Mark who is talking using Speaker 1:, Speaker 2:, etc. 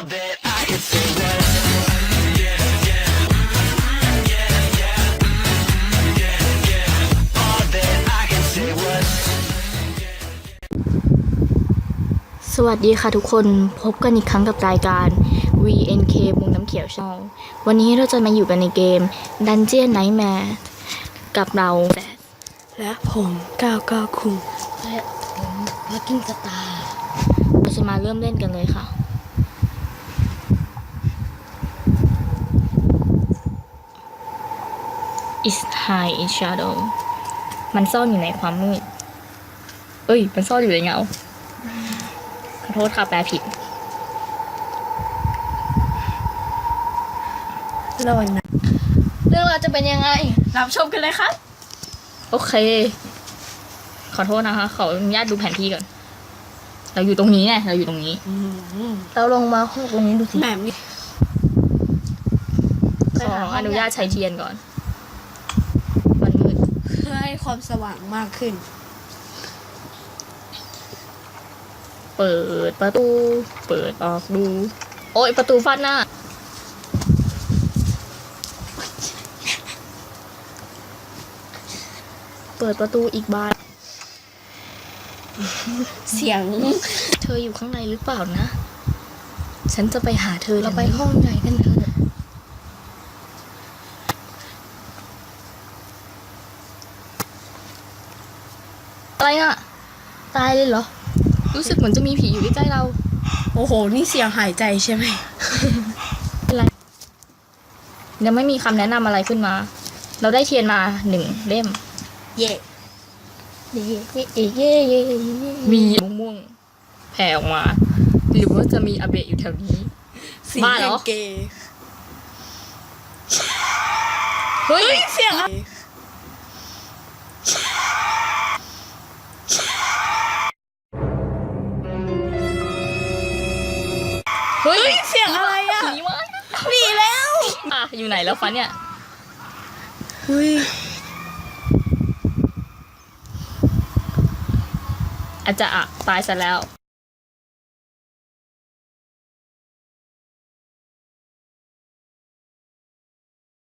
Speaker 1: All that I could say was all that I could say was
Speaker 2: สวัสดีค่ะทุกคนพบกันอีกครั้งกับรายการ VNK มุงน้ำเขียวช่องวันนี้เราจะมาอยู่กันในเกม Dungeon Nightmare กับเรา
Speaker 3: และผม99คุง
Speaker 2: และผมพักกิ้งสตาร์เราจะมาเริ่มเล่นกันเลยค่ะ Is hide in shadow มันซ่อนอยู่ในความมืดมันซ่อนอยู่ในเงาขอโทษค่ะแปลผิด
Speaker 3: แล้ววันนั้น
Speaker 2: เรื่องราวจะเป็นยังไง
Speaker 3: รับชมกันเลยครับ
Speaker 2: โอเค ขอโทษนะคะขออนุญาตดูแผนที่ก่อน เราอยู่ตรงนี้ไงเราอยู่ตรงนี้ เราลงมาห้องตรงนี้ดูสิ
Speaker 3: แบบนี้
Speaker 2: ขออนุญาตใช้เทียนก่อน มันมืด
Speaker 3: เพื่อให้ความสว่างมากขึ้น
Speaker 2: เปิดประตู เปิดออกดู โอ้ยประตูฟาดหน้า เปิดประตูอีกบาน
Speaker 3: เสียง
Speaker 2: เธออยู่ข้างในหรือเปล่านะ ฉันจะไปหาเธอเราไปห้องใหญ่กันเถอะอะไรอ่ะ ตายเลยเหรอ รู้สึกเหมือนจะมีผีอยู่ใกล้ๆเรา
Speaker 3: โอ้โหนี่เสียงหายใจใช่ไหม
Speaker 2: อะไรยังไม่มีคำแนะนำอะไรขึ้นมา เราได้เทียนมา1 เล่ม
Speaker 3: เย่
Speaker 2: มีม่วงๆแผ่ออกมา หรือว่าจะมีอาเบะอยู่แถวนี้
Speaker 3: สี
Speaker 2: บ้าเหร
Speaker 3: แห่
Speaker 2: อ
Speaker 3: งเกย์
Speaker 2: เฮ้ย
Speaker 3: เสียงอะไร
Speaker 2: เฮ้ย
Speaker 3: เสียงอะไรอ่ะ
Speaker 2: ผีมา
Speaker 3: หนีแล้ว
Speaker 2: อ่ะอยู่ไหนแล้วฟันเนี่ย
Speaker 3: เฮ้ย
Speaker 2: อาจจะตายซะแล้ว